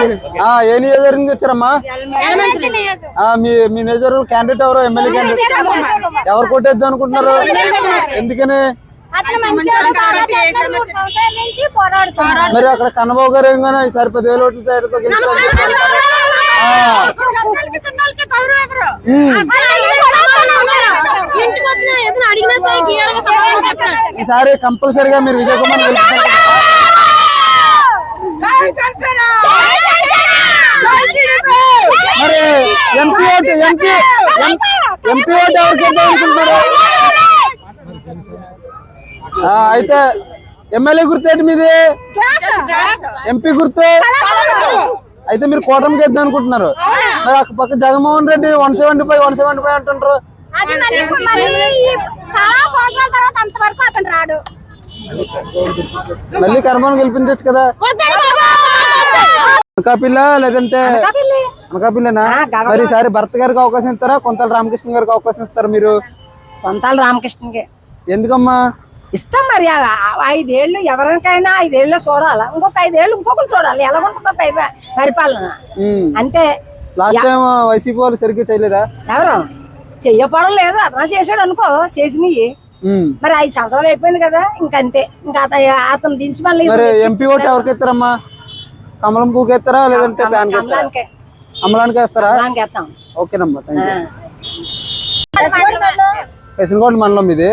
ఏ నియోజకవర్గం నుంచి వచ్చారమ్మా? మీ నియోజకవర్గం క్యాండిడేట్ ఎవరు? ఎమ్మెల్యే క్యాండిడేట్ ఎవరు కొట్టేద్దాం అనుకుంటున్నారు? ఎందుకని? మరి అక్కడ కన్నబాబు గారు ఏం గానీ ఈసారి 10,000 ఓట్ల తేడాతో ఈసారి కంపల్సరిగా మీరు విజయ్ కుమార్ మరి ఎంపీ ఓటు ఎవరికి ఇద్దాం అనుకుంటున్నారు? అయితే ఎమ్మెల్యే గుర్తు ఏంటి మీది? ఎంపీ గుర్తు అయితే మీరు కూటమికి ఇద్దాం అనుకుంటున్నారు. మరి అక్కడ పక్క జగన్మోహన్ రెడ్డి 175 అంటుంటారు. మళ్ళీ కర్మను గెలిపించచ్చు కదా? అనకాపిల్ల లేదంటే అనకాపిల్లనా? మరి ఈసారి భర్త గారికి అవకాశం ఇస్తారా, కొంతాల రామకృష్ణ గారికి అవకాశం ఇస్తారా మీరు? కొంతాల రామకృష్ణకి. ఎందుకమ్మా? ఇస్తాం మరి. 5 ఏళ్ళు ఎవరికైనా 5 ఏళ్ళు చూడాలి, ఇంకొక 5 ఏళ్ళు ఇంకొకరు చూడాలి. ఎలా ఉంటుందో పరిపాలన అంతే. లాస్ట్ టైం వైసీపీ వాళ్ళు సరిగ్గా చేయలేదా? ఎవరు చెయ్యపడం లేదు, అతను చేసాడు అనుకో, చేసినవి. మరి 5 సంవత్సరాలు అయిపోయింది కదా, ఇంకంతే. ఇంకా అతను దించి మళ్ళీ ఎంపీ ఓటు ఎవరికి ఇస్తారమ్మా? కమలం పువ్వుకి ఇస్తారా లేదంటే అమలానికి వేస్తారా? ఓకేనమ్మా, కసినకోట మండలం ఇది.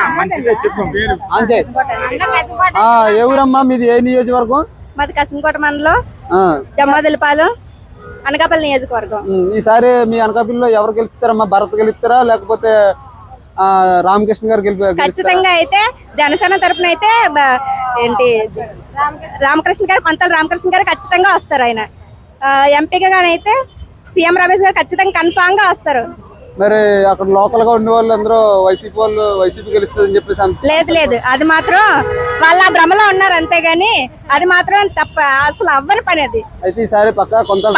ఏ ఊరమ్మా మీది? ఏ నియోజకవర్గం? మాది కసినకోట మండలం, జమ్మదిలపాలెం, అనకాపల్లి నియోజకవర్గం. ఈసారి మీ అనకాపల్లిలో ఎవరు గెలుస్తారమ్మా? భరత్ గెలుస్తారా లేకపోతే రామకృష్ణ గారు ఖచ్చితంగా అయితే జనసేన తరఫున అయితే ఏంటి రామకృష్ణ గారు, కొంతల రామకృష్ణ గారు ఖచ్చితంగా వస్తారు. ఆయన ఎంపీగా అయితే సీఎం రమేష్ గారు ఖచ్చితంగా కన్ఫామ్ గా వస్తారు. మరి అక్కడ లోకల్ గా ఉండే వాళ్ళు అందరూ వైసీపీ గెలుస్తుందని చెప్పేసి లేదు, అది మాత్రం వాళ్ళ భ్రమలో ఉన్నారు అంతేగాని అది మాత్రం తప్ప, అసలు అవ్వని పని అది. అయితే ఈసారి పక్క కొంతల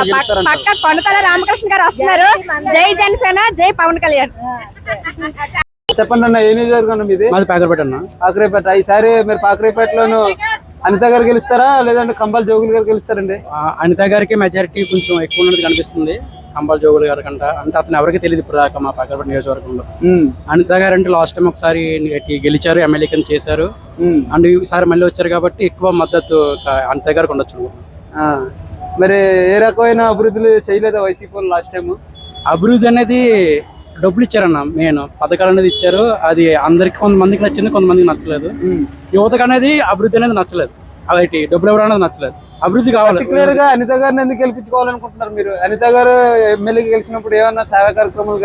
రామకృష్ణ గారు వస్తున్నారు. జై జనసేన, జై పవన్ కళ్యాణ్. చెప్పండి అన్న, ఏ నియోజకవర్గం మీది? మాది పాకరేపేట అన్న. పాకరేపేట. ఈసారి మీరు పాకరేపేటలోను అనిత గారు గెలుస్తారా లేదంటే కంబాల జోగులు గారు గెలుస్తారండి? అనిత గారికి మెజారిటీ కొంచెం ఎక్కువ ఉన్నది కనిపిస్తుంది కంబాల జోగులు గారి కంట. అంటే అతను ఎవరికి తెలియదు ఇప్పుడు దాకా మా పాకరేపేట నియోజకవర్గంలో. అనిత గారు అంటే లాస్ట్ టైం ఒకసారి గెలిచారు, ఎమ్మెల్యే కింద చేశారు. అండ్ ఈసారి మళ్ళీ వచ్చారు కాబట్టి ఎక్కువ మద్దతు అనిత గారికి ఉండొచ్చు. మరి ఏ రకమైన అభివృద్ధులు చేయలేదా వైసీపీ లాస్ట్ టైం? అభివృద్ధి అనేది డబ్బులు ఇచ్చారన్న, మెయిన్ పథకాలు అనేది ఇచ్చారు. అది అందరికి కొంతమందికి నచ్చింది, కొంతమందికి నచ్చలేదు. యువతకు అనేది అభివృద్ధి అనేది నచ్చలేదు, అలాంటి డబ్బులు ఎవరు అనేది నచ్చలేదు. అభివృద్ధి కావాలి. క్లియర్ గా అనిత గారిని ఎందుకు గెలిపించుకోవాలనుకుంటున్నారు మీరు? అనిత గారు ఎమ్మెల్యేకి గెలిచినప్పుడు ఏమన్నా సేవా కార్యక్రమాలు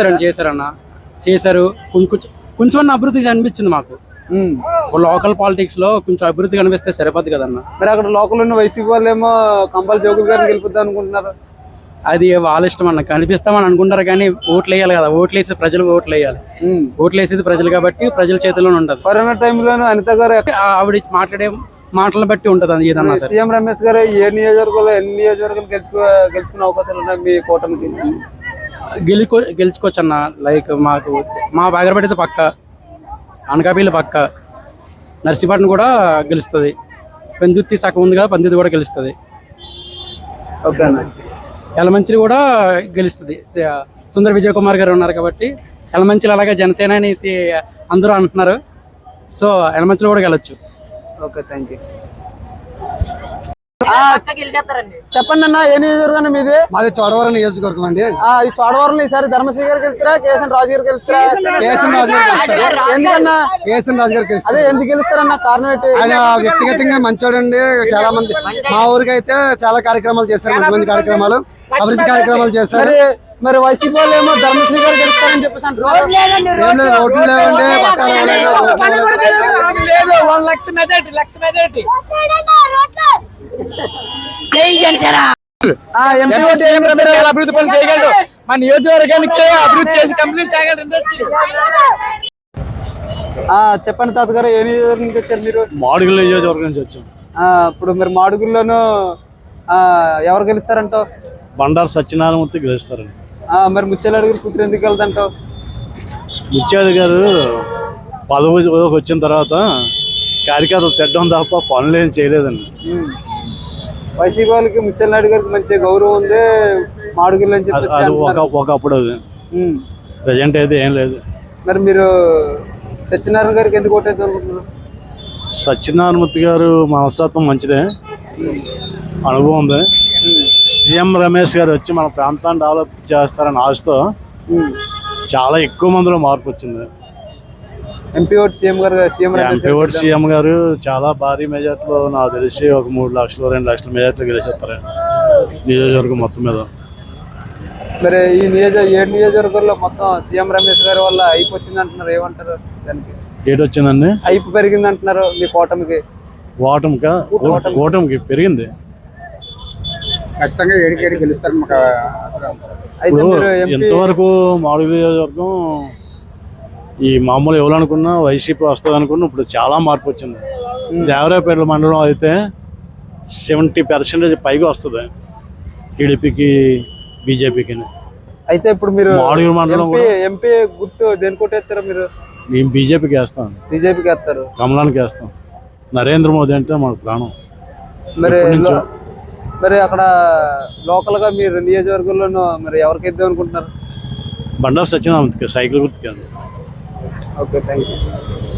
చేశారు. కొంచెం అభివృద్ధి అనిపించింది మాకు. లోకల్ పాలిటిక్స్ లో కొంచెం అభివృద్ధి కనిపిస్తే సరిపోద్ది కదన్న. మరి అక్కడ లోకల్ ఉన్న వైసీపీ వాళ్ళు ఏమో కంబాల జోగులు గారిని గెలిపిద్దాం అనుకుంటున్నారు. అది వాళ్ళ ఇష్టం అన్న, కనిపిస్తామని అనుకుంటారు కానీ ఓట్లు వేయాలి కదా. ఓట్లు వేసి ప్రజలు ఓట్లు వేయాలి. ఓట్లు వేసేది ప్రజలు కాబట్టి ప్రజల చేతిలోనే ఉంటది. కరోనా టైంలోనూ అనిత గారు ఆవిడ మాట్లాడే మాటలను బట్టి ఉంటది అది ఏదన్నా. సీఎం రమేష్ గారు ఏ నియోజకవర్గంలో ఎన్ని నియోజకవర్గాలు గెలుచుకునే అవకాశాలు ఉన్నాయి మీ కూటమికి? గెలుచుకోవచ్చు అన్న. లైక్ మాకు మా బాగరపడితే పక్క, అనకాపల్లి పక్క, నర్సీపట్నం కూడా గెలుస్తుంది. పెందుర్తి సగం ఉంది కదా, పెందుర్తి కూడా గెలుస్తుంది. ఓకే అన్న. యలమంచిలి కూడా గెలుస్తుంది. సుందర విజయ్ కుమార్ గారు ఉన్నారు కాబట్టి యలమంచిలి, అలాగే జనసేన అనేసి అందరూ అంటున్నారు. సో యలమంచిలి కూడా గెలవచ్చు. Okay, thank you. చెప్పండి అన్న, ఏ నియోజకవర్గం మీది? మాది చోడవరం నియోజకవర్గం అండి. ఈ చోడవరం ఈసారి ధర్మశ్రీ గారికి వెళ్తారా కేఎస్ఎన్ రాజు గారికి వెళ్తారా? ఎందుకన్నా కేఎస్ఎన్ రాజు గారికి అదే ఎందుకు గెలుస్తారన్న? కారణం ఏంటి? ఆయన వ్యక్తిగతంగా మంచోడండి. చాలా మంది మా ఊరికి అయితే చాలా కార్యక్రమాలు చేశారు, మంచి మంచి కార్యక్రమాలు, అభివృద్ధి కార్యక్రమాలు చేశారు. మరి వైసీపీ వాళ్ళు ఏమో ధర్మశ్రీ గారు గెలుస్తారని చెప్పేసి అంటున్నారు. రోడ్లు లేవండి, అభివృద్ధి పనులు చేయగలడు. మా నియోజకవర్గానికి అభివృద్ధి చేసి కంప్లీట్ చేయగలరు ఇండస్ట్రీ. చెప్పండి తాతగారు, ఏ నియోజకవర్గం నుంచి వచ్చారు మీరు? మాడుగుల నియోజకవర్గం నుంచి వచ్చాం. ఇప్పుడు మీరు మాడుగుల్లోనూ ఎవరు గెలుస్తారంటావు? బండారు సత్యనారాయణమూర్తి గెలుస్తారండి. మరి ముత్యాల గారు కూతురు ఎందుకు వెళ్తాంటావు? ముత్యాల గారు పదవికి వచ్చిన తర్వాత కార్యకర్తలు తిట్టడం తప్ప పనులు ఏం చేయలేదండి. వైసీపీ వాళ్ళకి ముత్యాల నాయుడు గారికి మంచి గౌరవం ఉంది మాడుగులు అని చెప్పేసి అది అంటున్నారు. ఒకప్పుడు అది ఉమ్. ప్రజెంట్ అయితే ఏం లేదు. మరి మీరు సత్యనారాయణ గారికి ఎందుకు ఓటేద్దాం అనుకుంటున్నారు? సత్యనారాయణమూర్తి గారు మనస్తత్వం మంచిదే, అనుభవం ఉంది. సీఎం రమేష్ గారు వచ్చి మన ప్రాంతాన్ని డెవలప్ చేస్తారని ఆశతో చాలా ఎక్కువ మందిలో మార్పు వచ్చింది. ఎంపీ ఓటు సీఎం గారు CM Ramesh MP vote CM గారు చాలా భారీ మెజార్టీలో నాకు తెలిసి ఒక 3 లక్షలు 2 లక్షల మెజార్టీలో గెలిచేస్తారు నియోజకవర్గం మొత్తం మీద. మరి ఈ 7 నియోజకవర్గాల్లో మొత్తం సీఎం రమేష్ గారి వల్ల హైప్ వచ్చింది అంటున్నారు, ఏమంటారు దానికి? ఏటి వచ్చిందండి? హైప్ పెరిగింది అంటున్నారు మీ కూటమికి. కూటమికి పెరిగింది. ఖచ్చితంగా ఏడికేడి గెలుస్తారు. అయితే ఇప్పుడు మీరు ఎంపీ ఎంతవరకు మాడుగుల నియోజకవర్గం ఈ మామూలు ఎవరనుకున్నా వైసీపీ వస్తుంది అనుకున్నా ఇప్పుడు చాలా మార్పు వచ్చింది. దేవరాపేట మండలం అయితే 70% పైగా వస్తుంది టీడీపీకి బీజేపీకి. అయితే ఇప్పుడు మీరు మాడుగుల మండలం ఎంపీ గుర్తు దేనికి కొట్టేస్తారా మీరు? మేము బీజేపీకి వేస్తాం, బీజేపీకి వేస్తారు. కమలానికి వేస్తాం. నరేంద్ర మోదీ అంటే మాకు ప్రాణం. మరి ఎప్పటి నుంచో. మరి అక్కడ లోకల్ గా మీరు నియోజకవర్గంలోనూ మరి ఎవరికి ఇద్దాం అనుకుంటున్నారు? బండారు సత్యనారాయణకి సైకిల్ గుర్తుకి. Okay, thank you.